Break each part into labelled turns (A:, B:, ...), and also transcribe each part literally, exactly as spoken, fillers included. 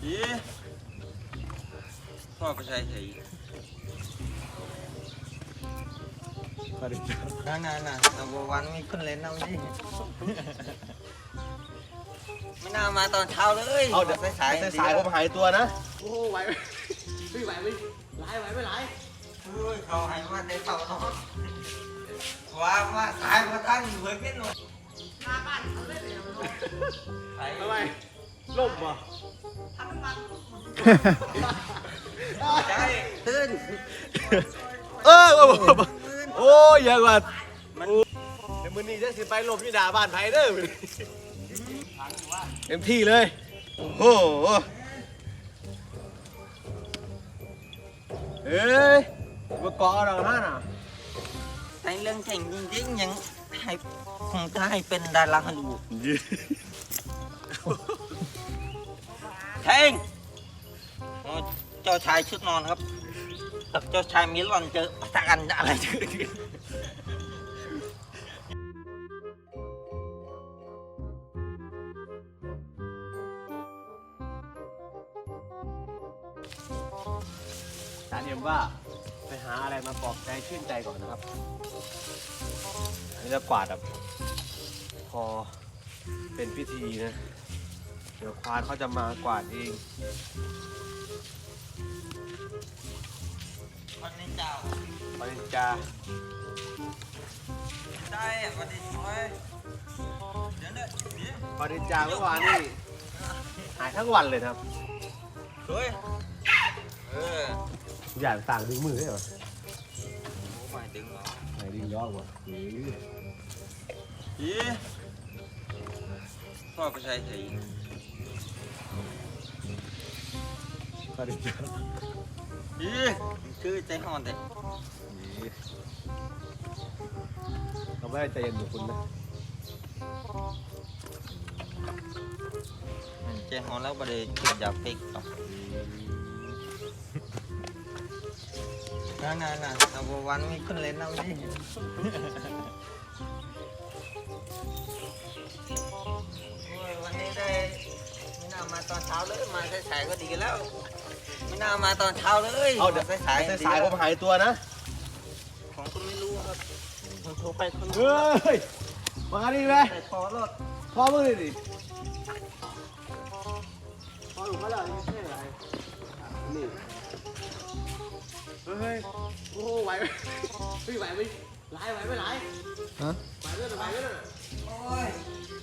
A: อีพ่อไปใช้ใส่นั่นน่ะน่ะนับวันมีคนเล่นน้ำดิไม่น่ามาตอนเช้าเลยเอาเดี๋ยวสายสายผมหายตัวนะ
B: โอ้ไหวไหมไม่ไหวไหมไหลไหวไม่ไหล
A: เฮ้ยเขาให้มาได้เต่าเนาะว่ามาสายมาตั้งอยู่เพื่อกินหน่อยหน้าบ้านเขาเลยเลย
B: ทำไมล่มป่ะ
A: ทำมันใช่ตื่น
B: เออโอ้ยยังว่ามันเดี๋ยวมือนี้จะสิไปลมที่ด่าบ้านไผ่เด้อเต็มที่เลยโอ้โหเอ้ยมาเกาะเราหน้าน่ะ
A: ในเรื่องแข่งจริงๆยังให้คงจะให้เป็นดาราฮันดูแข่งเจ้าชายชุดนอนครับกับเจ้าชายมิลอนเจอปะทะกันอะไรกัน
B: สารเอ็มว่าไปหาอะไรมาปลอบใจชื่นใจก่อนนะครับอันนี้จะกวาดแบบพอเป็นพิธีนะเดี๋ยวควานเขาจะมากวาดเอง
A: วันนี้เจ้า
B: ปริญญา
A: ได้วันนี้สวยเดี๋ยวเนี่ย
B: ปริญญาเมื่อวานนี่หายทั้งวันเลยครับ
A: สวยเออ
B: อย่างต่างดึงมือได้เหรอ
A: โอ้ไม่ดึงหรอ
B: ไม่ดึงยอดวะ
A: อีพ่อไปใช้ใส่
B: ปริญญา
A: อีคือใจห่อนแต่
B: เขาไม่ได้ใจเย็นเหมือนคุณนะ
A: ใจห่อนแล้วประเดี๋ยวกินยาเป๊กต่อนั่นน่ะน่ะนับวันมีคนเล่นน้ำดิวันนี้ได้ไม่น่ามาตอนเช้าเลยมาสายๆก็ดีกันแล้วไม่น่ามาตอนเช้าเลย
B: เอาเดี๋ยวสายสายผมหายตัวนะ
A: ของคุณไม่รู้ครับคุณโทรไปคุณ
B: เฮ้ยมาดิไหม
A: พอรถ
B: พอมึงดิดิพอหลุดมาแล้วนี่ใช่ไรนี่เฮ้ยโอ้ไหวไหมไม่ไหวไหมไหลไหวไม่ไหลฮะไหวเรื่อยไหวเรื่อย
A: โอ้ย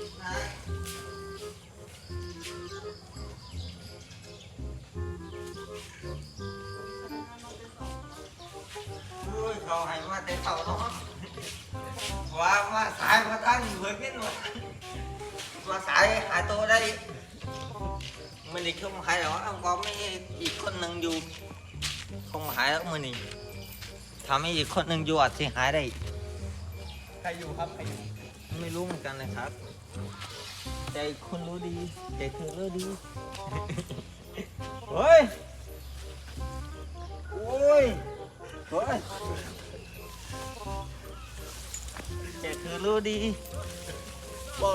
A: เขาให้มาแต่เต่าเนาะว่ามาสายมาตั้งอยู่เพื่อกินหน่อยว่าสายหายตัวได้มันอีกkhôngหายหรอông có mấyอีกคนหนึ่งอยู่khôngหายแล้วมันนี่ทำให้อีกคนหนึ่งอยู่อาจจะหายได้
B: ใครอยู่ครับใครอยู่
A: ไม่รู้เหมือนกันเลยครับใจคุณรู้ดีใจเธอรู้ดีเฮ้ยโอ้ยเฮ้ยใจเธอรู้ดี
B: บอก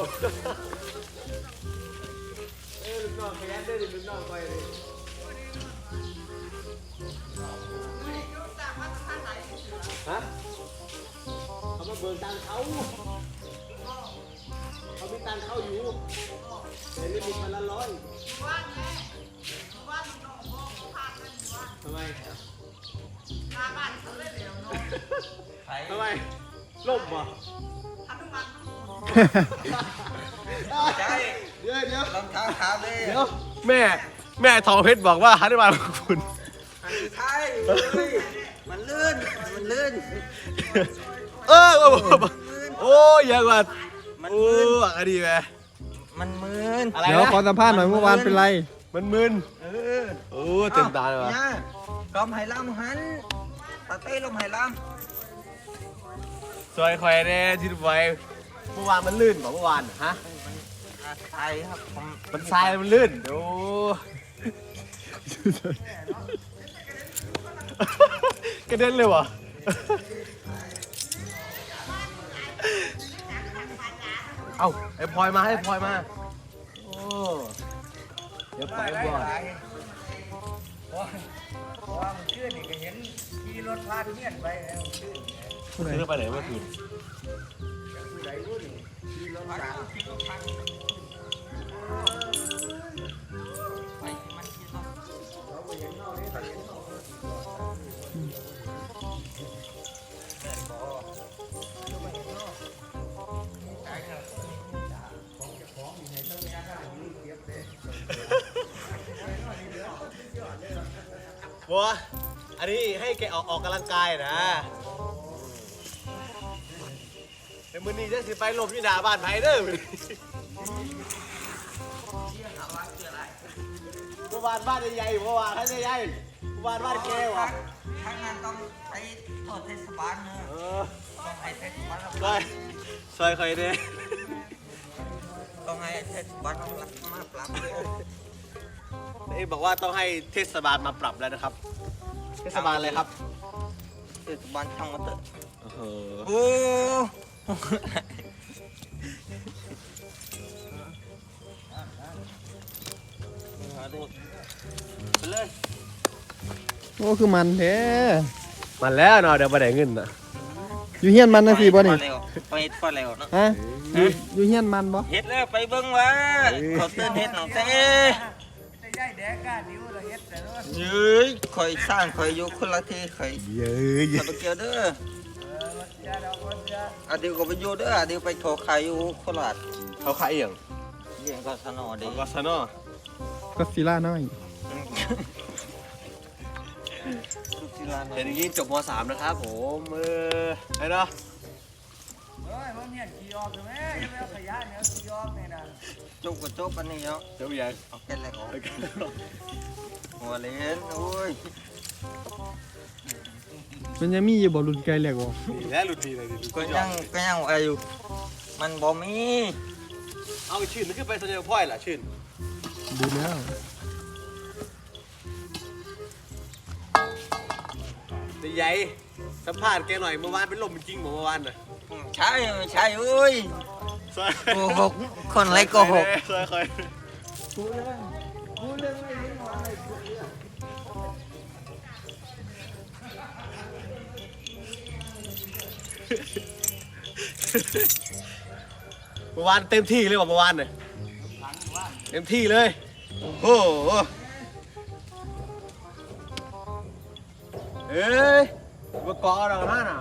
B: เอ้ยลูกน้องขยันได้ดิลูกน้องคอยดิฮะเขามาเบิกตังเขาเขามีตังเขาอยู่แต่ไม่มีพันละร้อยทำไมทำไมล่มป่ะ
A: ใช่
B: เดี๋ยวเดี๋ยว
A: รองเท้าขาวเลย
B: เดี๋ยวแม่แม่ทองเพชรบอกว่าฮันนี่มาของคุณ
A: ใช่มันลื่นมันลื่น
B: เออโอ้ยยังว่ามันมืนอะไรดีไหม
A: มันมืน
C: เดี๋ยวขอสัมภาษณ์หน่อยเมื่อวานเป็นไร
B: มันมืน
A: เออ
B: โอ้เต็มตาเลยวะ
A: กอมไหลำหันตาเต้ลมไหล
B: ำซอยคอยแน่ที่ดูไว้เมื่อวานมันลื่นบอกเมื่อวานฮะ
A: มันทรายครับ
B: มันทรายมันลื่นโอ้กระเด็นเลยวะเอาไอ้พลอยมาให้พลอยมาโอ้เดี๋ยวไป
D: ไล่
B: บ่
D: ไล่เพราะเพราะว่ามันชื่อนี่ก็เห็นขี่รถพาดเมียนไปแล้วชื่อ
B: ซื้อไปไหนเมื่อคืน
D: ผู้ใดรู้ดิขี่รถตาม
A: ไปมันกินเนาะ
D: เราไปเห็นเนาะนี่ไปเห็นเนาะ
A: แม่นบ่
D: เราไปเห็นเนาะตายแล้วของเจ้าของอยู่ในต้นยางได้อยู่เก็บเลย
B: บัวอันนี้ให้แกออกออกกำลังกายนะแต่มื้อนี้จะสิไปหลบอยู่หน้าบ้านไผเด้อ
A: เชี่ยหาว่าคืออะไร
B: เมื่อวานบ้านใหญ่ๆเมื่อวานท่านใหญ่ๆเมื่อวานบ้านแกวะ
A: ทางนั้นต้องไปโทษเทศบาลเนอะ
B: เออ
A: ต้องให้เทศบาลรับ
B: ซอยซอยใครเนี่ย
A: ต้องให้เทศบาลรับมาปรับ
B: เอ้บอกว่าต้องให้เทศบาลมาปรับแล้วนะครับ เทศบาลอะไรครับ
A: เทศบาลช่างมาเถอะ
B: โอ้โห
A: โอ้เอาดิไปเลย
C: โอ้คือมันแท้
B: มันแล้วเนาะเดี๋ยวไปไหนเงินนะ
C: อยู่เฮียนมันนะสิบ่นี่
A: ไปเฮ็ดฟ้าแล้วเนาะ
C: ฮะอยู่อยู่เฮียนมันบ่
A: เฮ็ดแล้วไปเบิ่งว่าเขาเตือนเฮ็ดหนองเต้
D: จะย้ายแดกก้านิ้วละเฮ็ดแต่ว่า
A: เย้ยข่อยสร้างข่อยอยู่คนละที่ข่อย
B: เย้ย
A: ข่อยไปเกี่ยวเด้อ
D: เออวัดยาดอกวัดยา
A: อาเดียวก็ไปอยู่เด้ออาเดียวไปโทรขายอยู่โคราช
B: เขาขายเอียง
A: เลี้ยงก็สนอเด้
B: ของกสนอ
C: ก็ซิล่าน้อย
A: สุศิลา
B: เห็นอย่างนี้จบม .สาม นะครับผมเออไอ้เนาะ
D: เฮ้ยมันเนี่ยขี่ออกใช่ไหมยังไม่เอาขยะเนี่ยขี่ออกนี่นะ
A: จบก็จบอันนี้เนาะ
B: เดี๋ยวยัง
A: เอาแค่แรกออกหัวเล่นโอ้ย
C: มันยังมีอยู่บ่รุ่นไกลแหลกบ่
B: นี่แหละหลุดดีเลยดิ
A: ก็ยังก็ยังว่าอยู่มันบ่มี
B: เอาชื่นมันขึ้นไปสัญญาพ่อยล่ะชื่น
C: ดูแล้ว
B: แต่ใหญ่สัมภาษณ์แกหน่อยเมื่อวานเป็นลมจริงเมื่อวานน่ะ
A: ใช่ใช่เอ้ย
B: ซอย
A: โกหกคนไรโกหก
B: ซอยคอย
D: กูเรื่องกูเรื่องไม่เห็นว่าอะไรกูเรื่อง
B: เมื่อวานเต็มที่เลยว่ะเมื่อวานเนี่ยเต็มที่เลยโอ้โหเอ้ยมาเกาะเราหน้าน่ะ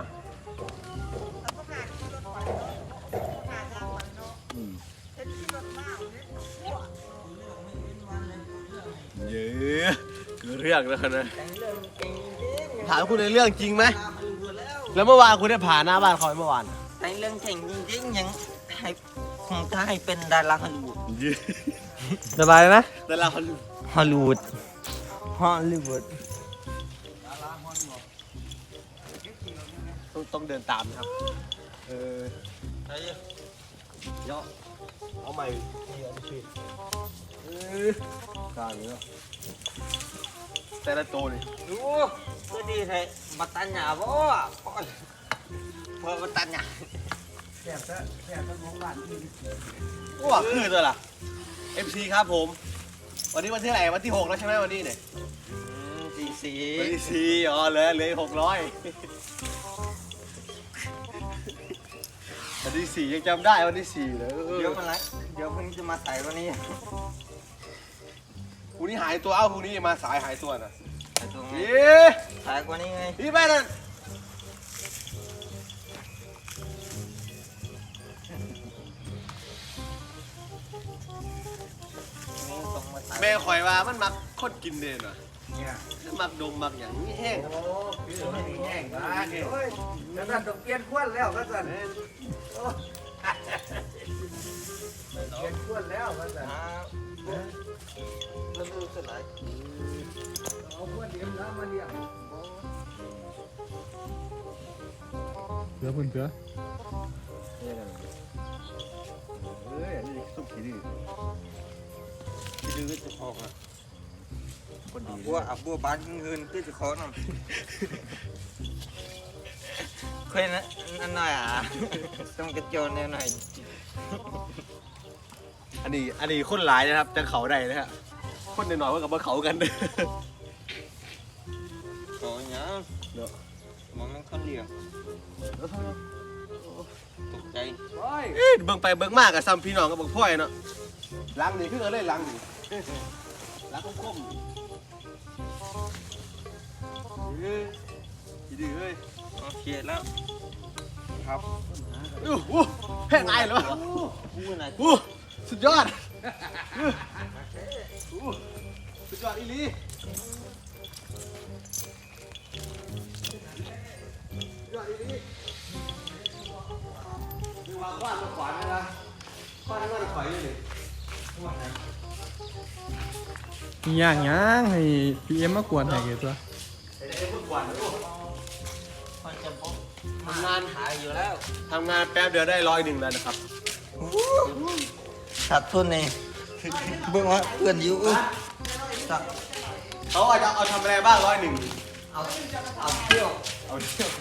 B: เยอะเกิดเรื่องแล้วนะ
A: แต่งเรื่องเก่งจริง
B: ถามคุณในเรื่องจริงไหม
A: ตามันรู้แล้ว
B: แล้วเมื่อวานคุณได้ผ่านหน้าบ้านเขาไหมเมื่อวาน
A: แต่งเรื่องเก่งจริงๆยังให้คงจะให้เป็นดาราฮอลลีวูด
C: สบายนะ
B: แต่เรา
A: ฮอลลีวูดฮอลลีวูด
B: ต้องต้องเดินตามนะครับเออ
A: ไอ้
B: เนาะเอาใหม่นี่เอาไปชิมเออกลางนี้เนาะแต่ละตัวนี่
A: ดูก็ดีแท้บัตตัญญาบ่พ่อพ่อบัตตัญญา
D: แซ่บซะแซ่บซะของบ้านที่
B: ว้าคือตัวล่ะ เอฟ ซี ครับผม วันนี้วันที่ไหนวันที่หกแล้วใช่ไหมวันนี้เนี่ย
A: สี่สี่
B: วันที่สี่อ๋อเหลือเหลือหกร้อยวันที่สี่ยังจำได้วันที่สี่เลย
A: เดี๋ยวมันไรเดี๋ยวพรุ่งนี้จะมาใส่วันนี้
B: พรุ่งนี้หายตัวเอ้าพรุ่งนี้มาสายหายตัวน่ะ
A: ใส่ตัวไง
B: พี่
A: ใส่กว่านี้ไง
B: พี่ไปนั่น
A: นี่ต้องมาใส่
B: แม่ข่อยว่ามันมักคนกินเด่นว่ะ
D: เนี่ย
B: มักดมมักอย่างนี้แห้ง
D: โอ้พี่ไม่มีแห้งบ้านเฮ้ยแล้วก็ต้องเปลี่ยนขวดแล้วก็สั่นโอ้เปลี่ยนขวดแล้วก็สั่น
A: อ่าแล้วดูสลาย
D: เอาขวดเดียวแล้วมาเลี้ยง
C: เสือเพิ่นเสือ
B: เฮ้ยอันนี้สุกขี้ดื้อ
A: ที่ดูก็จะพอกอ่ะ
B: คนดี
A: บัวอ่ะบัวบานเงินก็จะขอหน่อยเคยนะนั่นหน่อยอ่ะต้องกระโจนแนวหน่อย
B: อันนี้อันนี้คนหลายนะครับจะเขาได้นะฮะคนหน่อยๆว่ากับว่าเขากัน
A: โอ้ยเนาะ
B: เนาะ
A: มองนั่งคนเดียวตกใจ
B: เอ้ยเบิ่งไปเบิ่งมากกับซ้ำพี่น้องกับบักพ่อยเนาะล้างนี่คืออะไรล้างนี่ล้างคมๆเฮ้ยดีเฮ้ย
A: โอเคแล้วครับ
B: โอ้โหแห้งไงเลยวะ
A: อู้น่ะ
B: โอ้สุดยอดโอ้สุดยอดอีหลีสุดยอดอีหลีมีวางบ้านมาขวานไหมล่ะบ้านนี้ว่าจะขวานยังไง
C: มีอย่างหยังให้พีเอ็มมากวนให้เกตัว
B: ไอ้ไอ้พวกขวานนะลูก
A: มันจะพบทำงานหายอยู่แล้ว
B: ทำงานแป๊บเดียวได้ร้อยหนึ่งแล้วนะครับ
A: ขาดทุนเองเบิ่งว่าเพื่อนอยู่สัก
B: เขาอาจจะเอาทำอะไรบ้างร้อยหนึ่ง
A: เอาเอาเที่ยว
B: เอาเที่ยว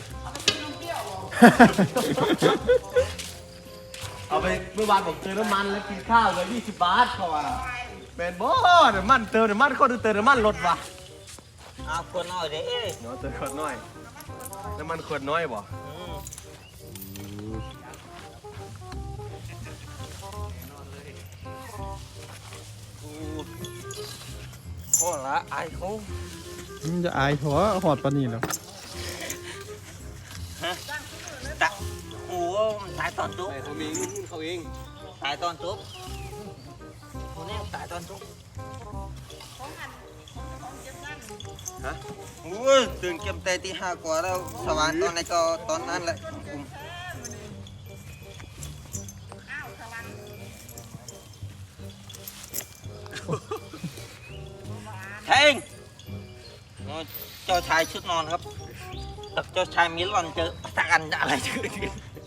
B: เอาไปเมื่อวานผมเติมน้ำมันแล้วกินข้าวเลยยี่สิบบาทเขาว่าแมนบอเดี๋ยวมันเติมเดี๋ยวมันเขาเติมเดี๋ยวมันลดว่ะ
A: เอาคนน้อยเด้
B: เนาะเติมขวดน้อยน้ำมันขวดน้อยบ่
A: อืมโอ้ละไอ้เขา
C: มันจะอายหัวหอดปานนี้แล้ว
A: ฮะตะโอ้มันตายตอนจุ๊บ
B: แต่เขามีเงินเขาเอง
A: ตายตอนจุ๊บคนนี้ตายตอนจุ๊บ
B: ฮะ
A: โอ้ยตื่นเก็บแต่ตีห้ากว่าแล้วสว่างตอนไหนก็ตอนนั้นแหละอุ้มเท่งโอ้ยเจ้าชายชุดนอนครับกับเจ้าชายมิลอนเจอปะทะกันอะไรเจอ